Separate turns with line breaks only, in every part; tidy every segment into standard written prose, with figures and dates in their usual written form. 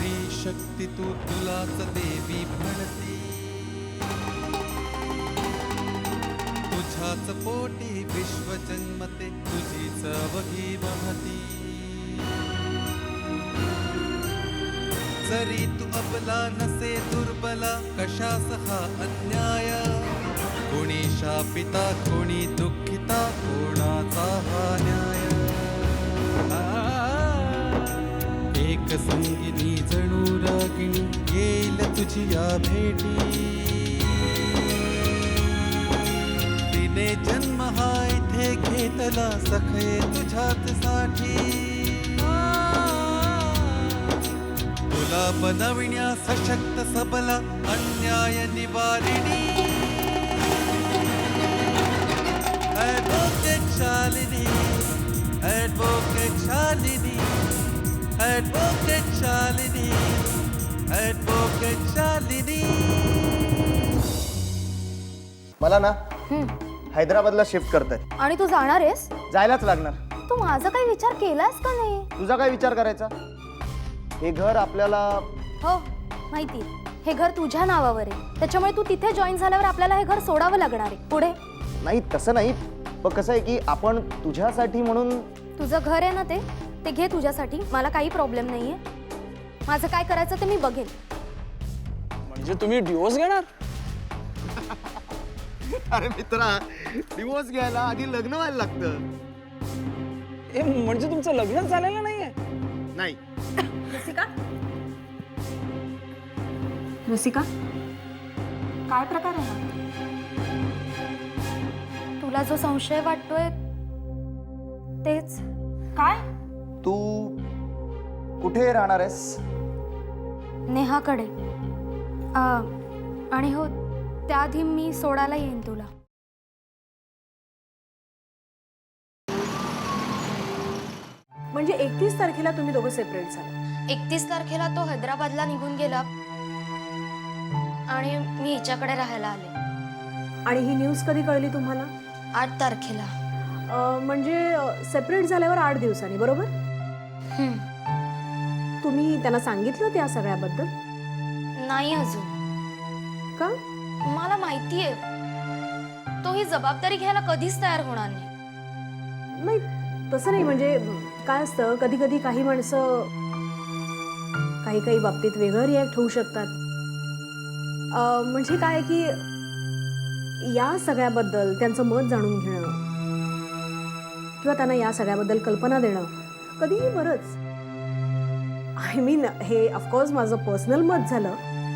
स्त्री शक्ती तू तुलाच देवी म्हणती, तुझ्याच पोटी विश्व जन्मते तुझीच अवघी महती. जरी तू अबला नसे दुर्बला कशास हा अन्याय, कोणी शापिता कोणी दुःखिता कोणाचा हा न्याय. एक संगिनी जणू रागिणी येईल तुझी या भेटी, तिने जन्म हा इथे घेतला सखे तुझ्याच साठी. तुला बनविण्या सशक्त सबला अन्याय निवारिणी, advocate Shalini, advocate Shalini, advocate Shalini, advocate Shalini.
मला ना हैदराबादला शिफ्ट करतायत.
आणि तू जाणार आहेस?
जायलाच लागणार.
तू माझा काही विचार केलास का नाही?
तुझा काय विचार करायचा? हे घर आपल्याला
हो माहिती, हे घर तुझ्या नावावर आहे, त्याच्यामुळे तू तिथे जॉईन झाल्यावर आपल्याला हे घर सोडावं लागणार आहे. पुढे
नाही, तसं नाही. पण कसं आहे की आपण तुझ्यासाठी म्हणून.
तुझं घर आहे ना, ते घे तुझ्यासाठी. मला काही प्रॉब्लेम नाहीये. माझं काय करायचं ते मी बघेन.
म्हणजे तुम्ही डिवोर्स घेणार?
अरे मित्रा, डिवोर्स घ्यायला आधी लग्न व्हायला लागतं.
म्हणजे तुमचं लग्नच झालेलं नाहीये?
नाही.
रसिका, रसिका, काय प्रकार आहे? तुला जो संशय वाटतोय तेच. काय?
तू कुठे राहणार आहेस?
नेहाकडे. आणि हो, त्याआधी मी सोडायला येईन तुला.
म्हणजे 31 तारखेला तुम्ही दोघं सेपरेट झाला?
31 तारखेला तो हैदराबादला निघून गेला आणि मी हिच्याकडे राहायला आले.
आणि ही न्यूज कधी कळली तुम्हाला?
8 तारखेला.
म्हणजे सेपरेट झाल्यावर 8 दिवसांनी, बरोबर? तुम्ही त्यांना सांगितलं त्या सगळ्याबद्दल?
नाही अजून.
का?
मला माहितीये तो ही जबाबदारी घ्यायला कधीच तयार होणार नाही.
नाही तसं नाही. म्हणजे काय असतं, कधी कधी काही माणसं काही बाबतीत वेगळं रिॲक्ट होऊ शकतात. म्हणजे काय की या सगळ्याबद्दल त्यांचं मत जाणून घेणं किंवा त्यांना या सगळ्याबद्दल कल्पना देणं कधीही बरंच. आय मीन, हे ऑफकोर्स माझं पर्सनल मत झालं.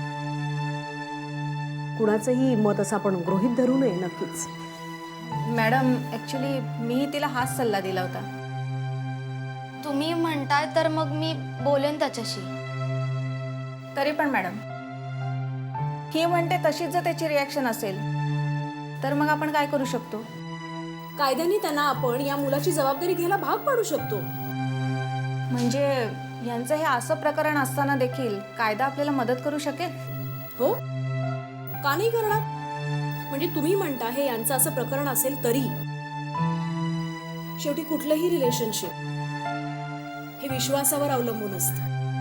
कुणाचंही मत असं आपण गृहीत धरू नये. नक्कीच
मॅडम, ॲक्च्युली मी तिला हाच सल्ला दिला होता.
तुम्ही म्हणताय तर मग मी बोलेन त्याच्याशी.
तरी पण मॅडम, ही म्हणते तशीच जर त्याची रिॲक्शन असेल तर मग आपण काय करू शकतो?
कायद्याने त्यांना आपण या मुलाची जबाबदारी घ्यायला भाग पाडू शकतो.
म्हणजे यांचं हे असं प्रकरण असताना देखील कायदा आपल्याला मदत करू शकेल?
हो, का नाही करणार? म्हणजे तुम्ही म्हणता हे यांचं असं प्रकरण असेल तरी शेवटी कुठलंही रिलेशनशिप हे विश्वासावर अवलंबून असतं.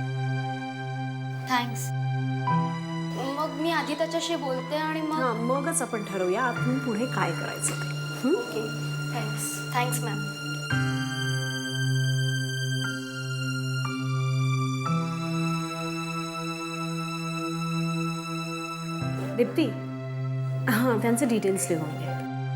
थँक्स. मग मी आधी त्याच्याशी बोलते आणि
मगच आपण ठरवूया आपण पुढे काय करायचं ते.
ओके. Thanks ma'am.
दीप्ती, हां, त्यांचे डिटेल्स लिहून घे.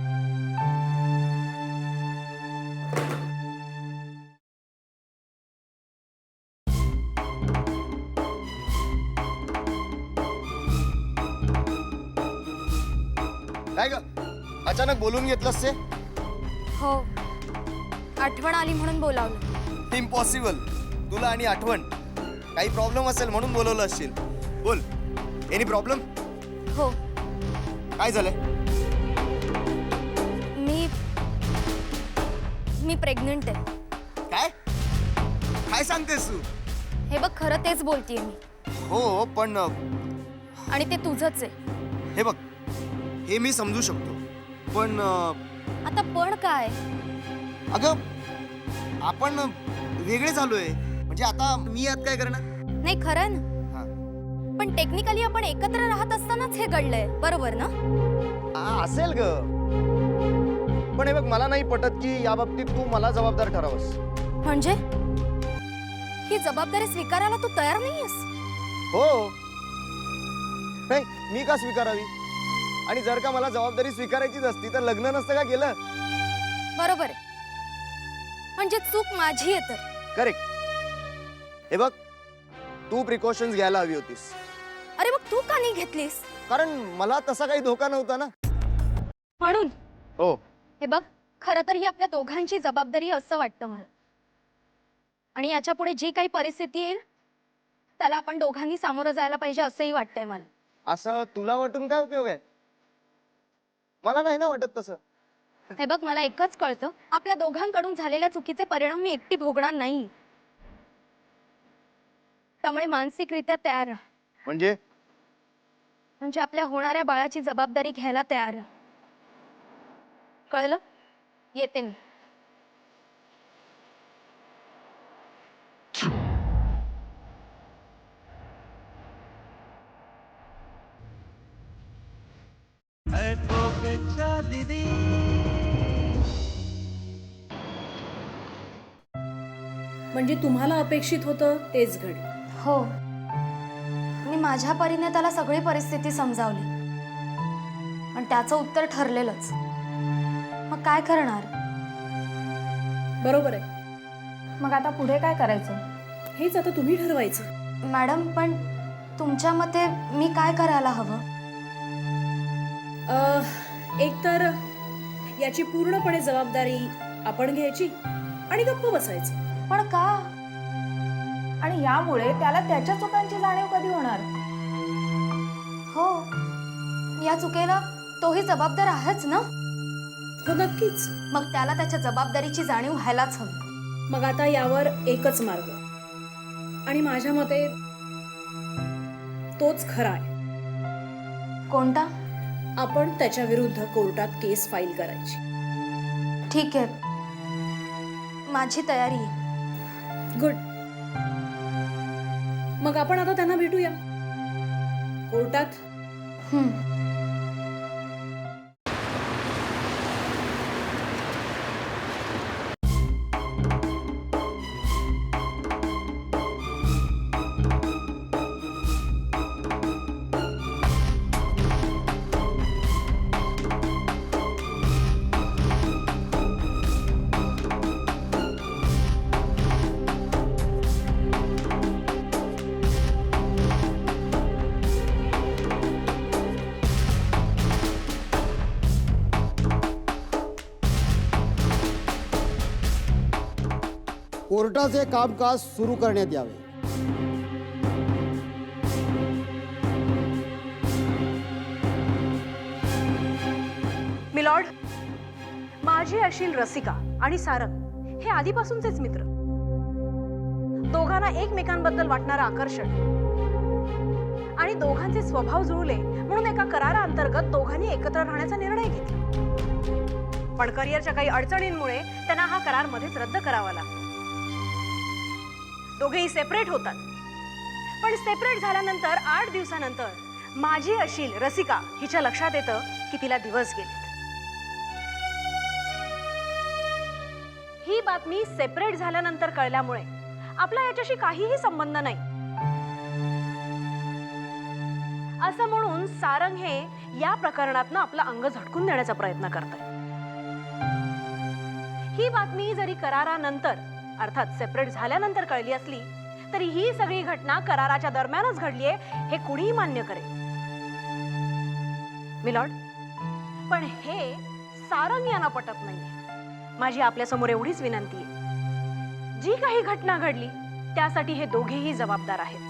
काय ग, अचानक बोलून घेतलंस ते?
हो, आठवण आली म्हणून बोलावलं.
इम्पॉसिबल. तुला आणि आठवण काही प्रॉब्लेम असेल म्हणून बोलवलं असशील. बोल, एनी प्रॉब्लेम?
हो,
काय झालंय?
मी प्रेग्नंट आहे.
काय काय सांगतेस तू?
हे बघ, खरं तेच बोलतेय मी.
हो, पण
आणि ते तुझंच आहे.
हे बघ, हे मी समजू शकतो, पण
आता पण काय?
अगं, आपण वेगळे झालोय. म्हणजे आता मी यात काय करणार?
नाही खरं ना,
हा
पण टेक्निकली आपण एकत्र राहत असतानाच हे घडलंय, बरोबर ना?
असेल ग, पण हे बघ मला नाही पटत की या बाबतीत तू मला जबाबदार ठरावस.
म्हणजे ही जबाबदारी स्वीकारायला तू तयार नाहीयेस?
हो, नाही मी का स्वीकारावी? आणि जर का मला जबाबदारी स्वीकारायचीच असती तर लग्न नसतं का केलं?
बरोबर आहे, म्हणजे चूक माझी आहे तर.
करेक्ट. हे बघ, तू प्रिकॉशन्स घ्यायला हवी होतीस,
अरे मग तू का नाही घेतलीस?
कारण मला तसा काही धोका नव्हता ना.
म्हणून
हो,
हे बघ, खरं तर ही आपल्या दोघांची जबाबदारी असं वाटतं मला. आणि याच्या पुढे जी काही परिस्थिती येईल त्याला आपण दोघांनी सामोरं जायला पाहिजे असंही वाटतंय मला.
असं तुला वाटून काय उपयोग आहे? मला नाही ना वाटत तसं.
हे बघ, मला एकच कळतं, आपल्या दोघांकडून झालेल्या चुकीचे परिणाम मी एकटी भोगणार नाही. त्यामुळे मानसिकरित्या तयार राहा. म्हणजे आपल्या होणाऱ्या बाळाची जबाबदारी घ्यायला तयार राहा. कळलं? येते मी.
दीदी
म्हणजे तुम्हाला अपेक्षित होतं तेच घडलं.
हो, मी माझ्या परीने त्याला सगळी परिस्थिती समजावली आणि त्याचं उत्तर ठरलेलंच. मग काय करणार?
बरोबर आहे.
मग आता पुढे काय करायचं?
हेच आता तुम्ही ठरवायचं.
मॅडम, पण तुमच्या मते मी काय करायला हवं?
एकतर याची पूर्णपणे जबाबदारी आपण घ्यायची आणि गप्प बसायचं.
पण का?
आणि यामुळे त्याला त्याच्या चुकांची जाणीव कधी होणार?
हो, या चुकेला तोही जबाबदार आहेच ना.
हो नक्कीच.
मग त्याला त्याच्या जबाबदारीची जाणीव व्हायलाच हवी.
मग आता यावर एकच मार्ग, आणि माझ्या मते तोच खरा आहे.
कोणता?
आपण त्याच्या विरुद्ध कोर्टात केस फाईल करायची.
ठीक आहे, माझी तयारी आहे.
गुड. मग आपण आता त्यांना भेटूया कोर्टात.
कोर्टाचे कामकाज सुरू करण्यात यावे.
मिलॉर्ड, माझी अशील रसिका आणि सारंग हे आधीपासूनचेच मित्र. दोघांना एकमेकांबद्दल वाटणारं आकर्षण आणि दोघांचे स्वभाव जुळले म्हणून एका कराराअंतर्गत दोघांनी एकत्र राहण्याचा निर्णय घेतला. पण करिअरच्या काही अडचणींमुळे त्यांना हा करार मध्येच रद्द करावा लागला. दोघेही सेपरेट होतात. पण सेपरेट झाल्यानंतर 8 दिवसानंतर माझी अशील रसिका हिच्या लक्षात येतं की तिला दिवस गेलेत. ही बातमी सेपरेट झाल्यानंतर कळल्यामुळे आपला याच्याशी काहीही संबंध नाही असं म्हणून सारंग हे या प्रकरणातनं आपलं अंग झटकून देण्याचा प्रयत्न करतात. ही बातमी जरी करारानंतर अर्थात सेपरेट झाल्यानंतर कळली असली तरी ही सगळी घटना कराराच्या दरम्यानच घडलीये हे कुणीही मान्य करेल. मिलॉर्ड, पण हे सारंग यांना पटत नाहीये. माझी आपल्या समोर एवढीच विनंती आहे, जी काही घटना घडली त्यासाठी हे दोघेही जबाबदार आहेत.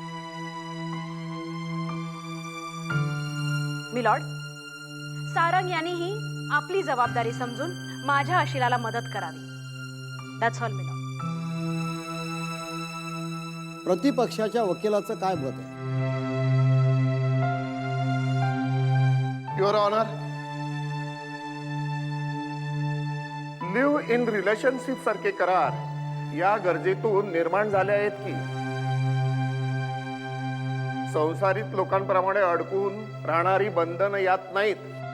मिलॉर्ड, सारंग यांनीही आपली जबाबदारी समजून माझ्या आशिलाला मदत करावी. That's all milord.
प्रतिपक्षाच्या वकिलाचं काय मत आहे?
Your honour, live in relationship सारखे करार या गरजेतून निर्माण झाले आहेत की संसारित लोकांप्रमाणे अडकून राहणारी बंधन यात नाहीत.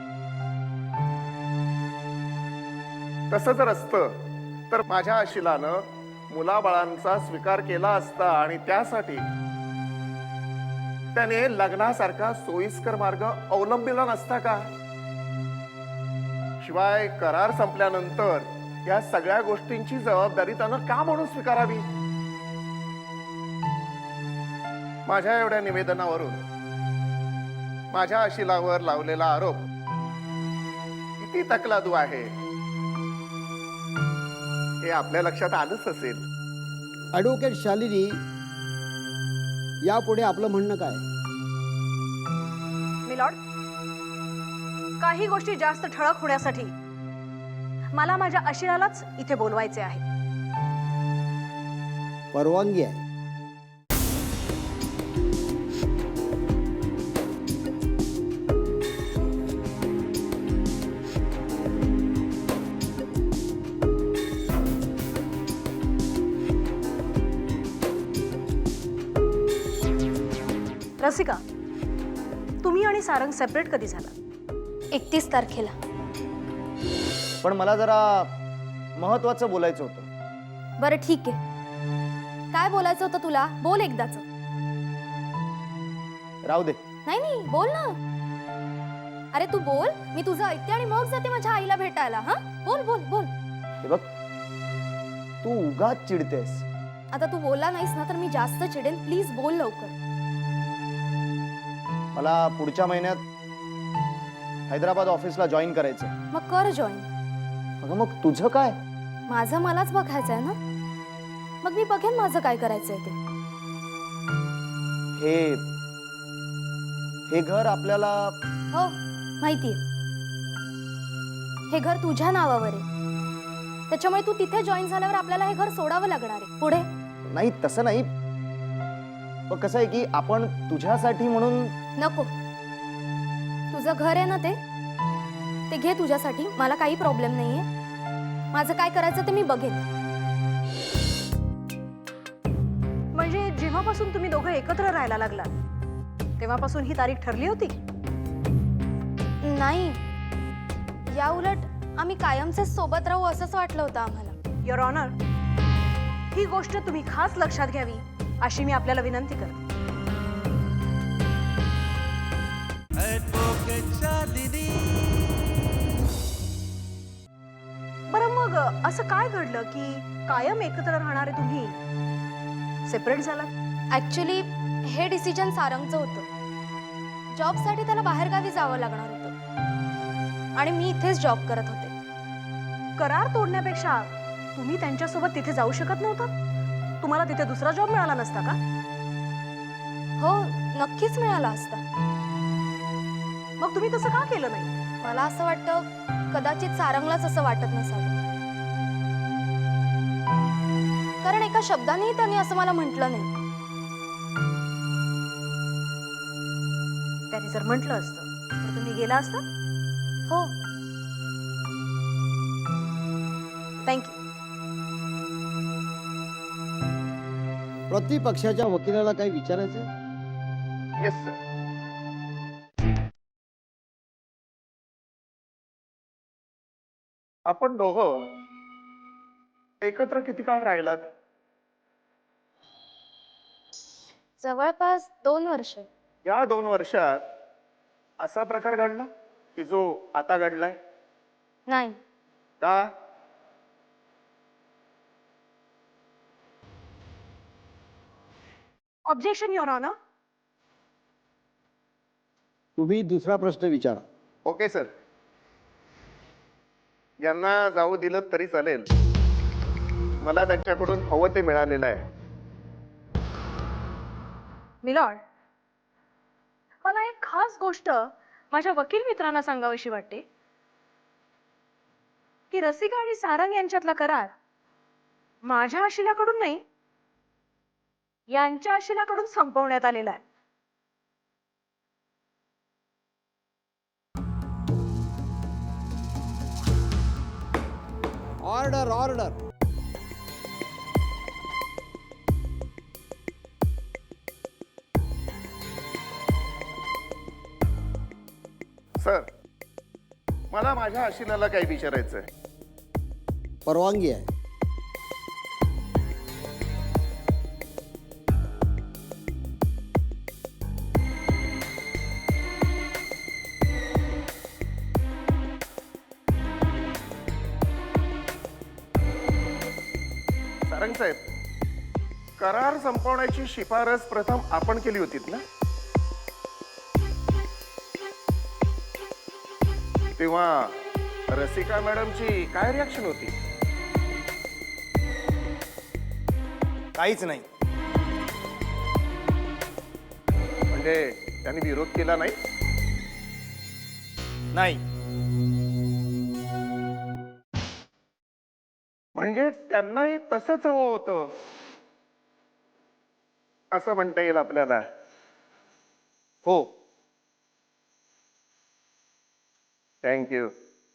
तसं जर असतं तर माझ्या आशिलानं मुलाबाळांचा स्वीकार केला असता आणि त्यासाठी त्याने लग्नासारखा सोयीस्कर मार्ग अवलंबिला नसता का? शिवाय करार संपल्यानंतर या सगळ्या गोष्टींची जबाबदारी त्यानं का म्हणून स्वीकारावी? माझ्या एवढ्या निवेदनावरून माझ्या आशिलावर लावलेला आरोप किती तकलादू आहे हे आपल्या लक्षात आलंच असेल.
ॲडव्होकेट शालिनी, यापुढे आपलं म्हणणं काय?
मिलॉर्ड, काही गोष्टी जास्त ठळक होण्यासाठी मला माझ्या आशिलालाच इथे बोलवायचे आहे.
परवानगी आहे.
रसिका, तुम्ही आणि सारंग सेपरेट कधी झाला?
31 तारखेला.
पण मला जरा महत्वाचं बोलायचं होतं.
बरं ठीक आहे. काय बोलायचं होतं तुला? बोल एकदाच.
राहू दे.
नाही नाही, बोल ना. अरे तू बोल, मी तुझं ऐकते आणि मग जाते माझ्या आईला भेटायला. हा, बोल बोल बोल.
हे बघ, तू उगाच चिडतेस.
आता तू बोलला नाहीस ना तर मी जास्त चिडेन. प्लीज बोल लवकर.
मला पुढच्या महिन्यात हैदराबाद ऑफिसला जॉईन करायचं.
मग कर जॉईन.
अगं मग तुझं काय?
माझं मलाच बघायचं आहे ना. मग मी बघेन माझं काय करायचंय ते.
हे घर आपल्याला.
हो माहितीये. हे घर तुझ्या नावावर आहे, त्याच्यामुळे तू तिथे जॉईन झाल्यावर आपल्याला हे घर सोडावं लागणार आहे. पुढे
नाही, तसं नाही. पण कसं आहे की आपण तुझ्यासाठी म्हणून.
नको. तुझं घर आहे ना ते घे तुझ्यासाठी. मला काही प्रॉब्लेम नाहीये. माझं काय करायचं ते मी बघेन.
म्हणजे जेव्हापासून तुम्ही दोघं एकत्र राहायला लागला तेव्हापासून ही तारीख ठरली होती?
नाही, या उलट आम्ही कायमचे सोबत राहू असंच वाटलं होतं आम्हाला.
युअर ऑनर, ही गोष्ट तुम्ही खास लक्षात घ्यावी अशी मी आपल्याला विनंती करते.
ॲडव्होकेट शालिनी.
बरं मग असं काय घडलं की कायम एकत्र राहणारे तुम्ही सेपरेट झालात?
ऍक्च्युली हे डिसिजन सारंगचं होतं. जॉबसाठी त्याला बाहेरगावी जावं लागणार होतं आणि मी इथेच जॉब करत होते.
करार तोडण्यापेक्षा तुम्ही त्यांच्यासोबत तिथे जाऊ शकत नव्हता? तुम्हाला तिथे दुसरा जॉब मिळाला नसता का?
हो नक्कीच मिळाला असता.
मग तुम्ही तसं का केलं नाही?
मला असं वाटतं कदाचित सारंगलाच असं वाटत नसावं, कारण एका शब्दानेही त्याने असं मला म्हटलं नाही.
त्याने जर म्हटलं असतं तर तुम्ही गेला असता?
हो.
थँक्यू.
प्रतिपक्षाच्या वकिलाला काही विचारायचं?
Yes sir. आपण दोघं एकत्र किती काळ राहिलात?
जवळपास 2 वर्ष.
या 2 वर्षात असा प्रकार घडला की जो आता घडलाय?
नाही.
का?
Objection your honour.
तुम्ही दुसरा प्रश्न विचारा.
Okay sir. यांना जाऊ दिलं तरी चालेल. मला त्यांच्याकडून हवं ते मिळालेलं आहे.
मिलॉर्ड, मला एक खास गोष्ट माझ्या वकील मित्रांना सांगावीशी वाटते की रसिका आणि सारंग यांच्यातला करार माझ्या आशिलाकडून नाही, यांच्या आशिलाकडून संपवण्यात आलेला आहे.
Order order.
सर, मला माझ्या आशिलाला काही विचारायचं आहे.
परवानगी आहे.
सारंग साहेब, करार संपवण्याची शिफारस प्रथम आपण केली होतीत ना? तेव्हा रसिका मॅडमची काय रिॲक्शन होती?
काहीच नाही.
म्हणजे त्यांनी विरोध केला नाही?
नाही.
म्हणजे त्यांनाही तसंच हवं होतं असं म्हणता येईल आपल्याला.
हो.
थँक्यू.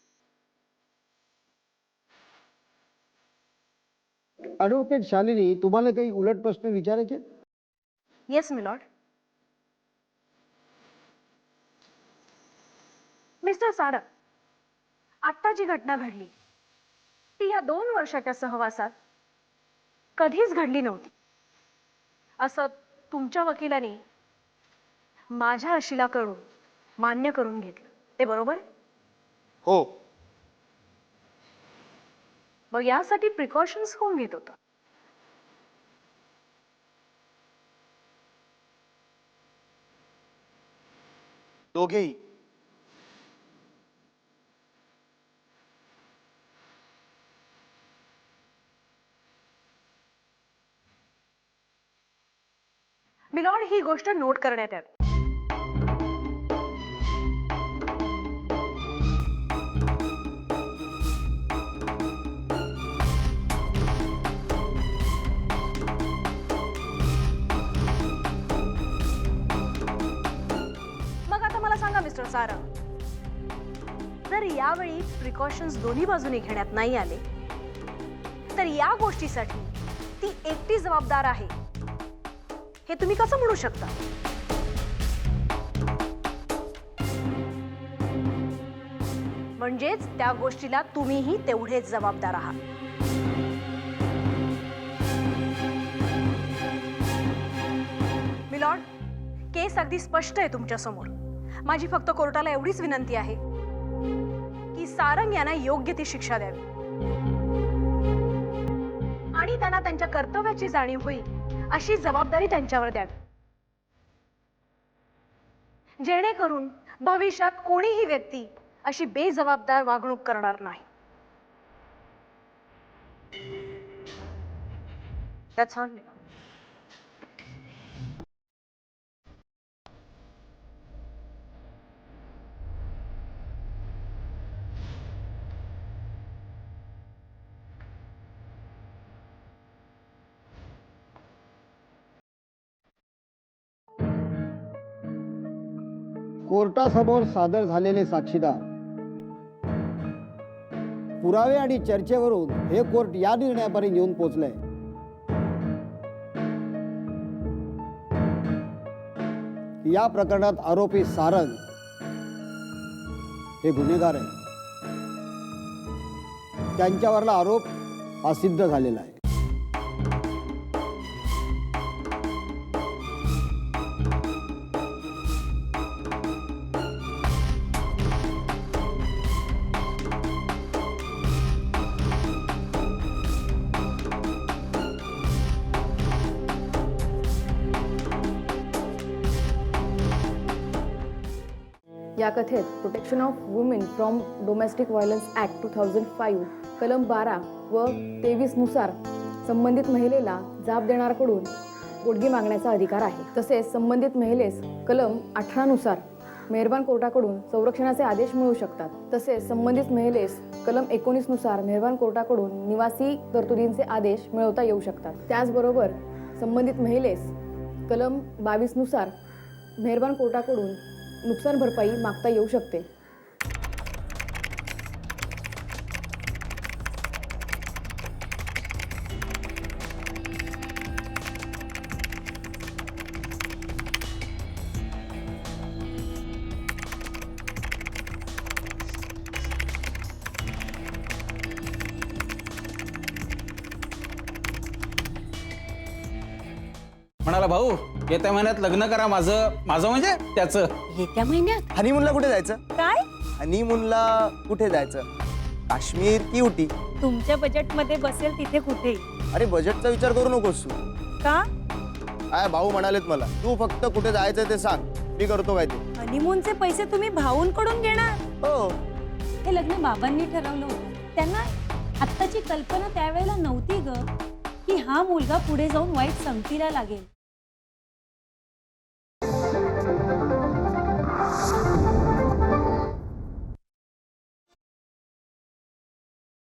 ॲडव्होकेट शालिनी, तुम्हाला काही उलट प्रश्न विचारायचे?
Yes milord. मिस्टर सारंग, आत्ता जी घटना घडली ती या 2 वर्षाच्या सहवासात कधीच घडली नव्हती असं तुमच्या वकिलाने माझ्या आशिलाकडून मान्य करून घेतलं. ते बरोबर?
हो.
मग यासाठी प्रिकॉशन्स कोण घेत होतं?
दोघेही.
मिलॉर्ड, ही गोष्ट नोट करण्यात यावी. मग आता मला सांगा मिस्टर सारंग, जर यावेळी प्रिकॉशन्स दोन्ही बाजूने घेण्यात नाही आले तर या गोष्टीसाठी ती एकटी जबाबदार आहे हे तुम्ही कसं म्हणू शकता? म्हणजेच त्या गोष्टीला तुम्हीही तेवढेच जबाबदार आहात. मिलॉर्ड, केस अगदी स्पष्ट आहे तुमच्या समोर. माझी फक्त कोर्टाला एवढीच विनंती आहे की सारंग यांना योग्य ती शिक्षा द्यावी आणि त्यांना त्यांच्या कर्तव्याची जाणीव होईल अशी जबाबदारी त्यांच्यावर द्यावी, जेणेकरून भविष्यात कोणीही व्यक्ती अशी बेजबाबदार वागणूक करणार नाही. That's all.
कोर्टासमोर सादर झालेले साक्षीदार, पुरावे आणि चर्चेवरून हे कोर्ट या निर्णयापर्यंत येऊन पोहोचलंय की या प्रकरणात आरोपी सारंग हे गुन्हेगार आहे. त्यांच्यावरला आरोप हा सिद्ध झालेला आहे.
या कथेत protection of women from domestic violence act 2005 कलम 12 व 23 नुसार संबंधित महिलेला जाब देणाऱ्याकडून पोटगी मागण्याचा अधिकार आहे. तसेच संबंधित महिलेस कलम 18 नुसार मेहरबान कोर्टाकडून संरक्षणाचे आदेश मिळू शकतात. तसेच संबंधित महिलेस कलम 19 नुसार मेहरबान कोर्टाकडून निवासी तरतुदींचे आदेश मिळवता येऊ शकतात. त्याचबरोबर संबंधित महिलेस कलम 22 नुसार मेहरबान कोर्टाकडून नुकसान भरपाई मागता येऊ शकते.
म्हणाला भाऊ येत्या महिन्यात लग्न करा माझं म्हणजे त्याचं.
येत्या महिन्यात
हनीमूनला कुठे जायचं?
काय?
हनीमूनला कुठे जायचं? काश्मीर की उटी?
तुमच्या बजेट मध्ये बसेल तिथे कुठे?
अरे बजेटचा विचार करू नकोस तू.
का?
काय भाऊ म्हणालेत मला, तू फक्त कुठे जायचं ते सांग, मी करतो काय ते.
हनीमूनचे पैसे तुम्ही भाऊंकडून घेणार?
हो.
हे लग्न बाबांनी ठरवलं होतं. त्यांना आत्ताची कल्पना त्यावेळेला नव्हती ग, की हा मुलगा पुढे जाऊन वाईट संगतीला लागेल.